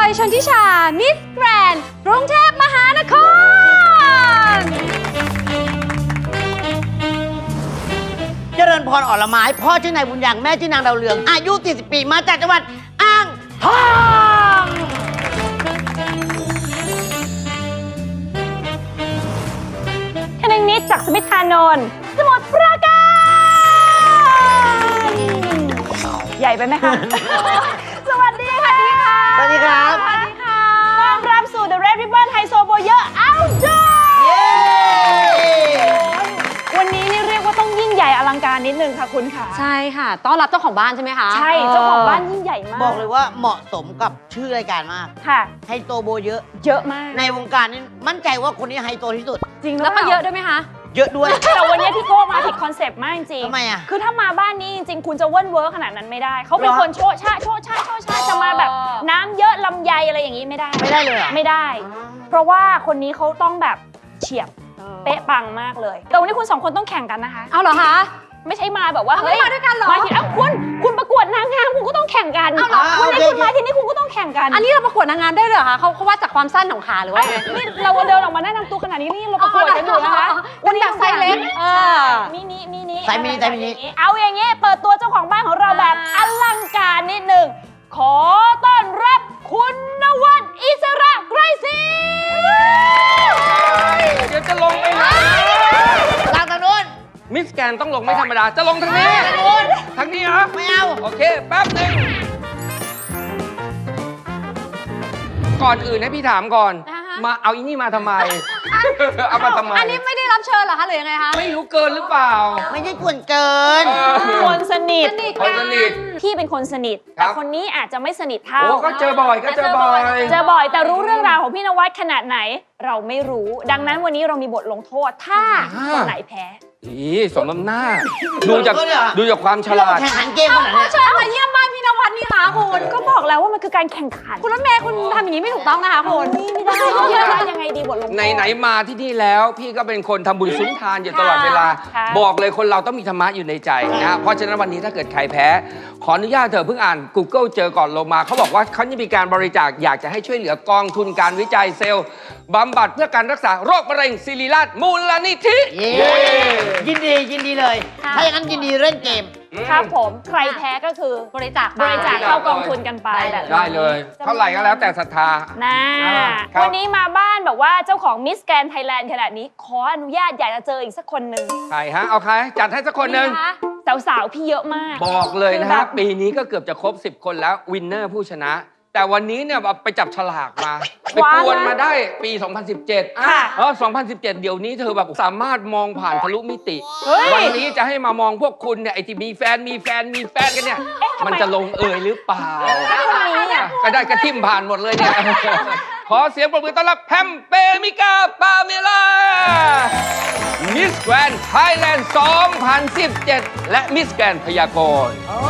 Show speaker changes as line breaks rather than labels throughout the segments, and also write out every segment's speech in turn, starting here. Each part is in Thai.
ยชนทิชา มิสแกรนด์กรุงเทพมหานคร
เจริญพรอ่อนละไม้พ่อชื่อนายบุญยังแม่ชื่อนางดาวเรืองอายุ 40 ปีมาจากจังหวัดอ่างทอง
คนึงนิดจากสมิทธานนท์สมุทรปราการ ใหญ่ไปไหมคะ สวัสดีค่ะ
สวัสดีครับ
สวัสดีค่ะต้อนรับสู่ The Red Ribbon ไฮโซโบเยอร์ Outdoor
เย้
วันนี้นี่เรียกว่าต้องยิ่งใหญ่อลังการนิดนึงค่ะคุณค่ะ
ใช่ค่ะ ต้อนรับเจ้าของบ้านใช่ไหมคะ
ใช่ เจ้าของบ้านยิ่งใหญ่มาก
บอกเลยว่าเหมาะสมกับชื่อรายการมาก
ค่ะ
ไฮโซโบเยอะ
เยอะมาก
ในวงการนี้มั่นใจว่าคนนี้ไฮโซที่สุด
จริง
แล้วก็เยอะด้วยไหมคะ
เยอะด้วย
แต่วันนี้พี่โก้มาผิดคอนเซปต์มากจริง
ทำไมอ่ะ
คือถ้ามาบ้านนี้จริงๆ คุณจะเว่นเวิร์ขนาดนั้นไม่ได้ เขาเป็น
เหรอ
คนโชะชะโชะชะโชะชะจะมาแบบน้ำเยอะลำไยอะไรอย่างนี้ไม่ได้
ไม่ได้เลยเหรอ
ไม่ได้ เพราะว่าคนนี้เขาต้องแบบเฉียบเป๊ะปังมากเลย แต่วันนี้คุณสองคนต้องแข่งกันนะคะ
เอาเหรอคะ
ไม่ใช่มาแบบว่า
ไม่มาด้วยกันเหรอ
มาทีคุณประกวดนางงามคุณก็ต้องแข่งกัน
เอาเหรอ
วันนี้
โอเค
คุณมาที่นี่คุณก็ต้องแข่งกัน
อันนี้เราประกวดนางงามได้เลยเหรอคะเขาวัดจากความสั้นของขาหรือว่า
เอ้ย
ไง
นี่เราเดินออกมาแนะนำตัวขนาดนี้นี่เราประกวดกันอยู่นะคะ
เป็นแบบไซส์เล็ก
มินิ
ไซส์มินิไซส์มินิ
เอาอย่างงี้เปิดตัวเจ้าของบ้านของเราแบบอลังการนิดหนึ่งขอต้อนรับคุณนวัดอิสระไกรศรี
เดี๋ยวจะลงไปไหน
ลางทางนู้น
มิสแกนต้องลงไม่ธรรมดา จะลงทางนี้
ทางนู้น
ทางนี้เหรอ
ไม่เอา
โอเค แป๊บหนึ่งก่อนอื่นให้พี่ถามก่อน มาเอาอีนี่มาทำไม เอามาทำไม
อันนี้ไม่ได้รับเชิญเหรอคะหรือยังไงคะ
ไม่รู้เกินหรือเปล่า
ไม่ใช่กวนเกิน
คนสนิท
คนสนิท
พี่เป็นคนสนิท
ครั
แต่
บ
คนนี้อาจจะไม่สนิทเท่า
โอ้ก็เจอบ่อยก็เจอบ่อย
เจอบ่อยแต่รู้เรื่องราวของพี่นวัดขนาดไหน เราไม่รู้ ดังนั้นวันนี้เรามีบทลงโทษ ถ้าคนไหนแพ้
อีสมน้ำหน้า ดูจาก
ก็เนี่ย
ดูจากความฉ
ที่เรา
ลาด
แข่งขันเกมขนาดเนี้ย
เชิญมาเยี่ยมบ้านพี่นวัดนี่คะคุณ
ก็บอกแล้วว่ามันคือการแข่งขัน
คุณรถเมย์คุณทำอย่างนี้ไม่ถูกต้องนะคะคุณ
นี่ไม่ได้พี่นวัดยังไงดีบทลงโทษ
ไหนๆมาที่นี่แล้ว พี่ก็เป็นคนทำบุญสุนทานอยู่ตลอดเวลา
ค่ะ
บอกเลยคนเราต้องมีธรรมะอยู่ในใจนะฮะเพราะฉะนั้นวันนี้ถ้าเกิดใครแพ้ ขออนุญาตเธอะเพิ่งอ่าน Google เจอก่อนลงมา เขาบอกว่าเขาจะมีการบริจาคอยากจะให้ช่วยเหลือกองทุนการวิจัยเซลล์บำบัดเพื่อการรักษาโรคมะเร็งศิริราชมูลนิธิ
เย้ยินดีเลย ถ้าอย่างนั้นยินดีเล่นเกม
ครับผมใครแพ้ก็คือบ
ริจาค
บริจาคเข้ากองทุนกันไปแบบนี้
ได้เลย เท่าไหร่ก็แล้วแต่ศรัทธา
นะครับ วันนี้มาบ้านแบบว่าเจ้าของมิสแกรนไทยแลนด์ขนาดนี้ ขออนุญาตอยากจะเจออีกสักคนหนึ่ง
ใครฮะ เอาใคร จัดให้สักคนหนึ่ง
สาวๆพี่เยอะมาก
บอกเลยนะ
คือแบ
ฮะ
บ
ปีนี้ก็เกือบจะครบ 10 คนแล้ววินเนอร์ผู้ชนะ แต่วันนี้เนี่ยไปจับฉลากมา ไปกวนมาได้ปี 2017
ค่ะ
2017 เดี๋ยวนี้เธอแบบสามารถมองผ่านทะลุมิติ
เฮ้ย
วันนี้จะให้มามองพวกคุณเนี่ยไอที่มีแฟนกันเนี่ย มันจะลงเอยหรือเปล่า
คนนี้อ่ะ
ก็ได้กระทิมผ่านหมดเลยเนี่ย ขอเสียงปรบมือต้อนรับแพมเปมิกาปาเมล่ามิสแกรนด์ไทยแลนด์ 2017 และมิสแกรนด์พยากรณ์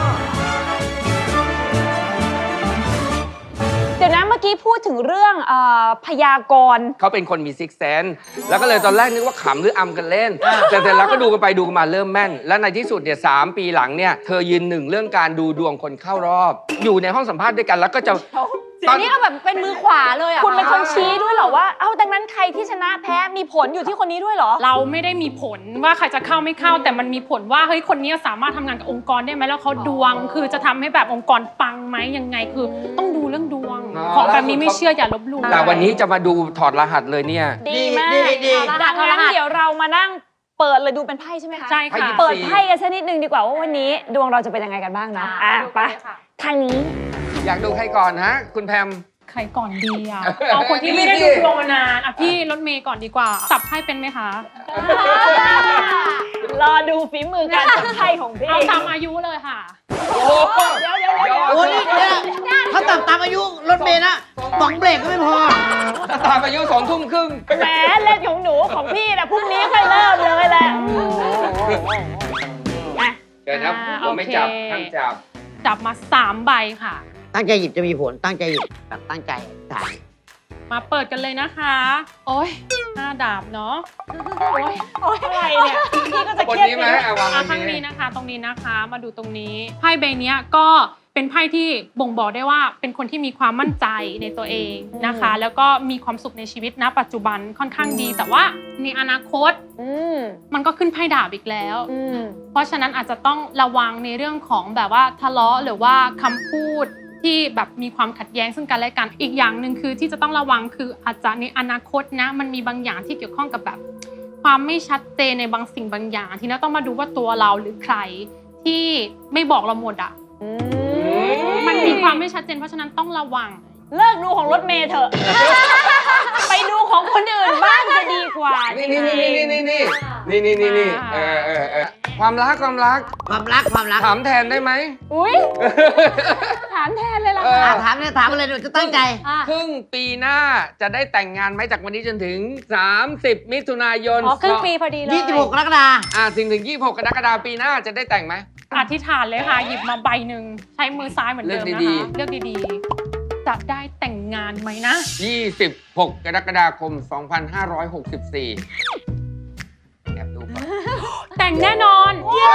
เดี๋ยวนะเมื่อกี้พูดถึงเรื่องพยากรณ์
เขาเป็นคนมีซิกแซนแล้วก็เลยตอนแรกนึกว่าขำหรืออำกันเล่น แต่เสร็จแล้วก็ดูกันไปดูกันมาเริ่มแม่น และในที่สุดเนี่ย3 ปีหลังเนี่ยเธอยืนหนึ่งเรื่องการดูดวงคนเข้ารอบ อยู่ในห้องสัมภาษณ์ด้วยกันแล้วก็จะ
ตอนนี้เอาแบบเป็นมือขวาเลยอ่ะ
คุณเป็นคนชี้ด้วยเหรอว่า เอ้าดังนั้นใครที่ชนะแพ้มีผลอยู่ที่คนนี้ด้วยเหรอ
เราไม่ได้มีผลว่าใครจะเข้าไม่เข้า แต่มันมีผลว่าเฮ้ยคนนี้สามารถทำงานกับองค์กรได้ไหมแล้วเขาดวง คือจะทำให้แบบองค์กรปังไหมยังไงคือต้องดูเรื่องดวง ของแบบนี้ไม่เชื่ออย่าลบหลู่
แต่วันนี้จะมาดูถอดรหัสเลยเนี่ย
ดีมาก
ดี
ดังนั้นเดี๋ยวเรามานั่งเปิดเลยดูเป็นไพ่ใช่ไหมคะ
ใช่ค่ะ
เปิดไพ่กันสักนิดนึงดีกว่าว่าวันนี้ดวงเราจะเป็นยังไงกันบ้างเนาะไปทางนี้
อยากดูใครก่อนฮะคุณแพม
ใครก่อนดีอ่ะ เอาคนที่ไม่ได้ดูดวงมานานอ่ะพี่รถเมย์ก่อนดีกว่าสับไพ่เป็นไหมคะ
รอดูฝีมือการจับไพ่ของพี่
เอาตามอายุเลยค่ะ
โอ้โห
เดี๋ยว
โอ้นี่เนี่ยถ้าตามอายุรถเมย์นะสองเบรกก็ไม่พอ
ตามอายุ2 ทุ่มครึ่ง
แหมเล่นของหนูของพี่นะพรุ่งนี้ค่อยเริ่มเลยแหละอ่ะ
เดี๋ยวนะผมไม่จับห้ามจับ
จับมา3 ใบค่ะ
ตั้งใจหยิบจะมีผล ตั้งใจหยิบแบบตั้งใจถ่าย
มาเปิดกันเลยนะคะ โอ้ย5 ดาบเนาะ
โอ๊ยอะไรเนี่ยพี่ก็จะ
คน
เครียด
นี้ไหม
ไปด้วย
วาง
ข้าง
นี้
นี้นะคะ ตรงนี้นะคะ มาดูตรงนี้ไพ่ใบเนี้ยก็เป็นไพ่ที่บ่งบอกได้ว่าเป็นคนที่มีความมั่นใจในตัวเองนะคะ แล้วก็มีความสุขในชีวิตณปัจจุบันค่อนข้างดี แต่ว่าในอนาคตมันก็ขึ้นไพ่ดาบอีกแล้วเพราะฉะนั้นอาจจะต้องระวังในเรื่องของแบบว่าทะเลาะหรือว่าคำพูดที่แบบมีความขัดแย้งซึ่งกันและกันอีกอย่างหนึ่งคือที่จะต้องระวังคืออาจจะในอนาคตนะมันมีบางอย่างที่เกี่ยวข้องกับแบบความไม่ชัดเจนในบางสิ่งบางอย่างที่เราต้องมาดูว่าตัวเราหรือใครที่ไม่บอกเราหมดอ่ะมันมีความไม่ชัดเจนเพราะฉะนั้นต้องระวัง
เลิกดูของรถเมย์เถอะ ไปดูของคนอื่นบ้างจะดีกว่า
นี่ความรักถามแทนได้ไหม
อุ้ยถามแทนเลยล่ะ
ถามอะไรหนูจะตั้งใจ
ครึ่งปีหน้าจะได้แต่งงานไหมจากวันนี้จนถึง30 มิถุนายน
ครึ่งปีพอดีเลย
26 กรกฎาคม
ถึง26 กรกฎาคมปีหน้าจะได้แต่งไหม
อธิษฐานเลยค่ะหยิบมาใบหนึ่งใช้มือซ้ายเหมือนเดิมนะคะเลือกดีๆจะได้แต่งงานไหมนะ
26 กรกฎาคม 2564แอบดูก่อน
แต่งแน่นอน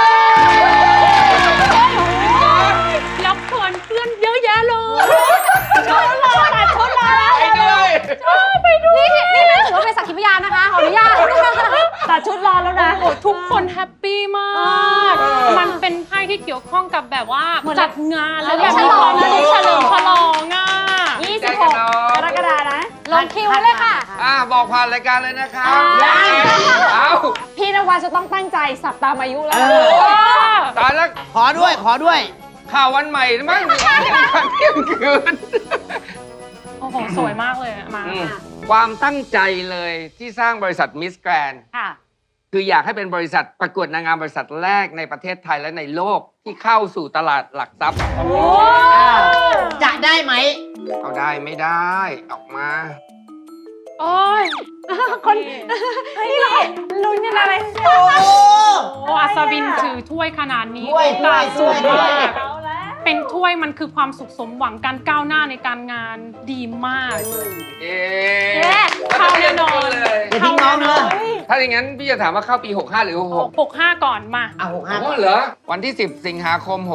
แล้วเพื่อนเยอะแยะเลย
ชุดรอแล้ว
ไปด้วย
นี่ไม่ถือว่าเป็นสักขีพยานนะคะขออนุญาต
ตัดชุดรอแล้วนะ
ทุกคนแฮปปี้มากมันเป็นไพ่ที่เกี่ยวข้องกับแบบว่าจัดงานแล้วแบบมีความสุขเฉลิมฉลอง
26 กรกฎาคมนะ
ลงคิวเลยค่ะ
บอกผ่านรายการเลยนะครับ
พี่นวัดจะต้องตั้งใจสับตามอายุแล้ว
ตายแล้ว
ขอด้วย
ข่าววันใหม่มั้งเที่ยงคืน
โอ้โหสวยมากเลยมา
ความตั้งใจเลยที่สร้างบริษัทมิสแกรนด์คืออยากให้เป็นบริษัทประกวดนางงามบริษัทแรกในประเทศไทยและในโลกที่เข้าสู่ตลาดหลักทรัพย์
จะได้ไหม
เอาได้ไม่ได้ออกมา
โอ้ย
คนนี่เราลุ้นกันอะไร
โอ้
อัศวินถือถ้วยขนาดนี้โอกาสสูงมากเป็นถ้วยมันคือความสุขสมหวังการก้าวหน้าในการงานดีมากเข้าแน่นอน
เลยเข้าแน่นอน
ถ้าอย่างนั้นพี่จะถามว่าเข้าปี65หรือ
65ก่อนมา
65เหรอวันที่10 สิงหาคม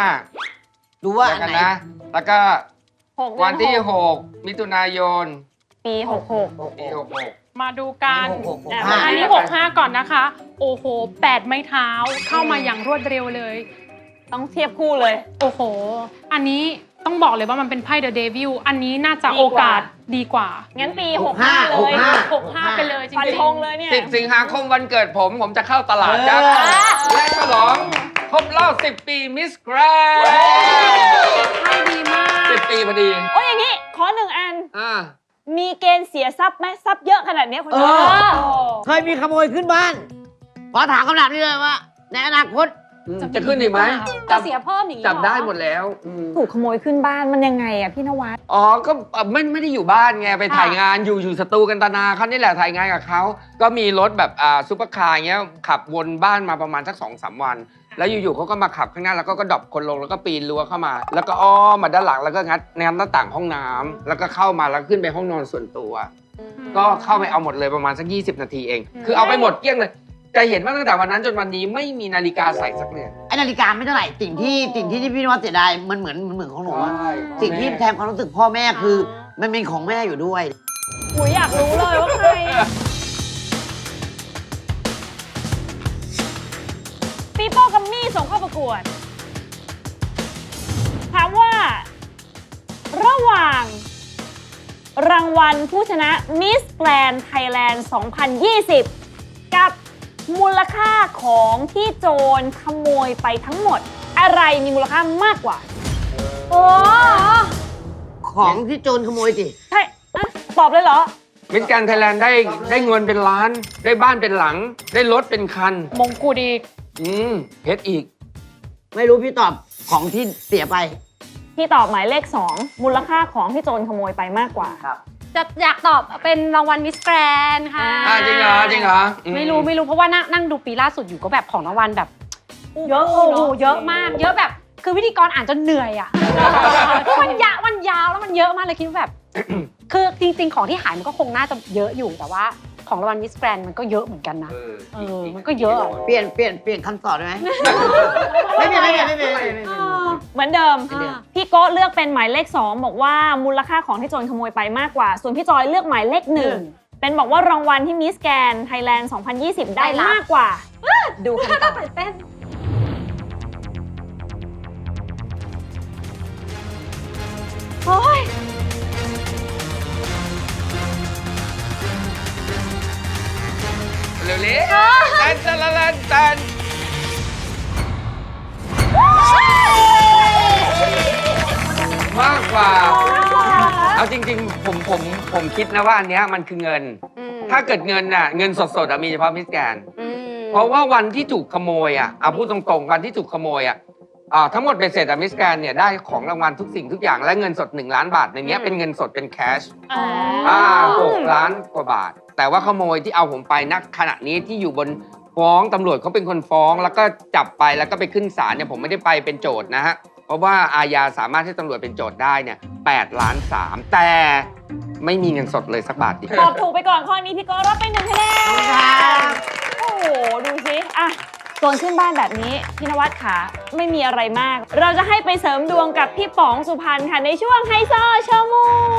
65
ดูว่าอันไหน
นะแล้วก็วันที่6 มิถุนายน
ปี
66มาดูกันอันนี้65ก่อนนะคะโอ้โห8 ไม้เท้าเข้ามาอย่างรวดเร็วเลย
ต้องเทียบคู่เลย
โอ้โหอันนี้ต้องบอกเลยว่ามันเป็นไพ่เดอะเดวิลอันนี้น่าจะโอกาสดีกว่า
งั้นปี65เลย
65ไปเลยจริงๆ
ฟันธงเลยเนี่ย
10 สิงหาคมวันเกิดผมจะเข้าตลาดครับและฉลองครบรอบ10 ปีมิสแกรนด์
ไพ่ดีมาก
10 ปีพอดี
โอ้ยอย่างนี้ขอ1 อันมีเกณฑ์เสียทรัพย์ไหมทรัพย์เยอะขนาดนี้คนนี้
เคยมีขโมยขึ้นบ้านขอถามคำถามนี้เลยว่าในอนาคต
จะขึ้นอีกไหม
จะเสียเพิ่มอย่างนี้
จับได้หมดแล้ว
ถูกขโมยขึ้นบ้านมันยังไงอะพี่นวัด
ก็ไม่ได้อยู่บ้านไงไปถ่ายงานอยู่สตูกันตนาเขานี่แหละถ่ายงานกับเขาก็มีรถแบบซุปเปอร์คาร์เงี้ยขับวนบ้านมาประมาณสัก 2-3 วันแล้วอยู่ๆเขาก็มาขับข้างหน้าแล้วก็ดรอปคนลงแล้วก็ปีนรั้วเข้ามาแล้วก็อ้อมมาด้านหลังแล้วก็งัดหน้าต่างห้องน้ำแล้วก็เข้ามาแล้วขึ้นไปห้องนอนส่วนตัวก็เข้าไปเอาหมดเลยประมาณสัก20 นาทีเองคือเอาไปหมดเกลี้ยงเลยจะเห็นว่าตั้งแต่วันนั้นจนวันนี้ไม่มีนาฬิกาใส่สักเรือน
ไอ้นาฬิกาไม่เท่าไหร่สิ่งที่พี่นวัดเสียดายมันเหมือนของหนูสิ่งที่แทนความรู้สึกพ่อแม่คือมันเป็นของแม่อยู่ด้วย
อยากรู้เลยว่าใครปีโป้กัมมี่ส่งเข้าประกวดถามว่าระหว่างรางวัลผู้ชนะมิสแกรนด์ไทยแลนด์ 2020 กับมูลค่าของที่โจรขโมยไปทั้งหมดอะไรมีมูลค่ามากกว่า
ของที่โจรขโมยสิ
ใช่ตอบเลยเหรอ
มิสแกรนด์ไทยแลนด์ได้เงินเป็นล้านได้บ้านเป็นหลังได้รถเป็นคัน
มงกุฎอีก
เพชรอีก
ไม่รู้พี่ตอบของที่เสียไป
พี่ตอบหมายเลข2มูลค่าของที่โจรขโมยไปมากกว่า
ครับ
จะอยากตอบเป็นรางวัลมิสแกรนด์ค่ะ
จริงเหรอ
ไม่รู้เพราะว่านั่งดูปีล่าสุดอยู่ก็แบบของรางวัลแบบเยอะเยอะมากเยอะแบบคือพิธีกรอ่านจนเหนื่อยอ่ะมันยาวแล้วมันเยอะมากเลยคิดว่าแบบคือจริงๆของที่หายมันก็คงน่าจะเยอะอยู่แต่ว่าของรางวัลมิสแกรนมันก็เยอะเหมือนกันนะมันก็เยอะอะ
เปลี่ยนคำตอบได้ไหมไม่เปลี่ยน
เหมือนเดิม
อ่า
พี่โก้เลือกเป็นหมายเลข 2 บอกว่ามูลค่าของที่โจรขโมยไปมากกว่า ส่วนพี่จอยเลือกหมายเลข 1 เป็นบอกว่ารางวัลที่มิสแกรนไทยแลนด์ 2020 ได้มากกว่า ดูคำตอบ
ตื่นเต้น
โอ้ย
เร็วๆแตนแตนมากกว่า เอาจริงๆผมคิดนะว่าอันเนี้ยมันคือเงิน ถ้าเกิดเงินน่ะเงินสดๆมีเฉพาะมิสแกรนด์เพราะว่าวันที่ถูกขโมยเอาพูดตรงๆวันที่ถูกขโมยทั้งหมดเป็นเสร็จมิสแกรนด์เนี่ยได้ของรางวัลทุกสิ่งทุกอย่างและเงินสด1 ล้านบาทในเนี้ยเป็นเงินสดเป็นแคช 6 ล้านกว่าบาท แต่ว่าขโมยที่เอาผมไปณขณะนี้ที่อยู่บนฟ้องตำรวจเขาเป็นคนฟ้อง แล้วก็จับไปแล้วก็ไปขึ้นศาลเนี่ยผมไม่ได้ไปเป็นโจทย์นะฮะเพราะว่าอาญาสามารถให้ตำรวจเป็นโจทย์ได้เนี่ย8 ล้าน 3แต่ไม่มีเงินสดเลยสักบาทเดียว
ตอบถูกไปก่อนข้อนี้พี่โก้รับไป1 คะแนน โอ้โห ดูสิอ่ะโจรขึ้นบ้านแบบนี้ พี่นวัดขาไม่มีอะไรมาก เราจะให้ไปเสริมดวงกับพี่ป๋องสุพรรณค่ะ ในช่วงไฮโซโชว์มู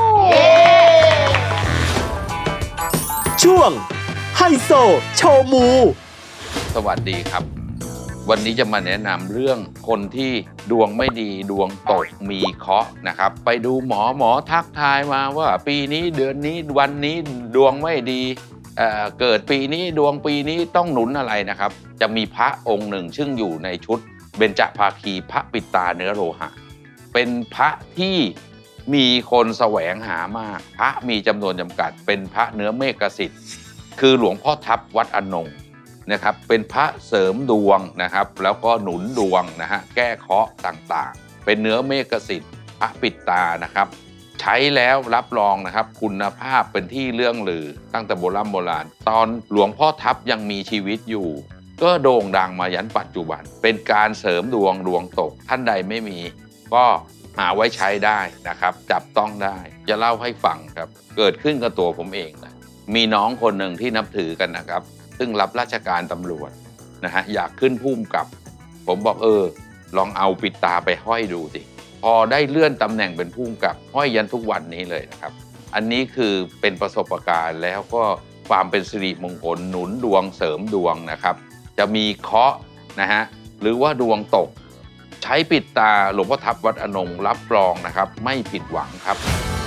ช่วงไฮโซโชว์มู
สวัสดีครับ วันนี้จะมาแนะนำเรื่องคนที่ดวงไม่ดีดวงตกมีเคราะห์นะครับ ไปดูหมอทักทายมาว่าปีนี้เดือนนี้วันนี้ดวงไม่ดีเกิดปีนี้ดวงปีนี้ต้องหนุนอะไรนะครับ จะมีพระองค์หนึ่งซึ่งอยู่ในชุดเบญจภาคีพระปิดตาเนื้อโลหะ เป็นพระที่มีคนแสวงหามาก พระมีจำนวนจำกัดเป็นพระเนื้อเมฆสิทธิ์คือหลวงพ่อทับวัดอนงนะครับเป็นพระเสริมดวงนะครับแล้วก็หนุนดวงนะฮะแก้เคราะห์ต่างๆเป็นเนื้อเมฆสิทธิ์พระปิดตานะครับใช้แล้วรับรองนะครับคุณภาพเป็นที่เรื่องลือตั้งแต่โบราณตอนหลวงพ่อทับยังมีชีวิตอยู่ก็โด่งดังมายันปัจจุบันเป็นการเสริมดวงตกท่านใดไม่มีก็หาไว้ใช้ได้นะครับจับต้องได้จะเล่าให้ฟังครับเกิดขึ้นกับตัวผมเองนะมีน้องคนหนึ่งที่นับถือกันนะครับซึ่งรับราชการตำรวจนะฮะอยากขึ้นผู้กำกับผมบอกลองเอาปิดตาไปห้อยดูสิพอได้เลื่อนตำแหน่งเป็นผู้กำกับห้อยยันทุกวันนี้เลยนะครับอันนี้คือเป็นประสบการณ์แล้วก็ความเป็นสิริมงคลหนุนดวงเสริมดวงนะครับจะมีเคราะห์นะฮะหรือว่าดวงตกใช้ปิดตาหลวงพ่อทับวัดอนงรับรองนะครับไม่ผิดหวังครับ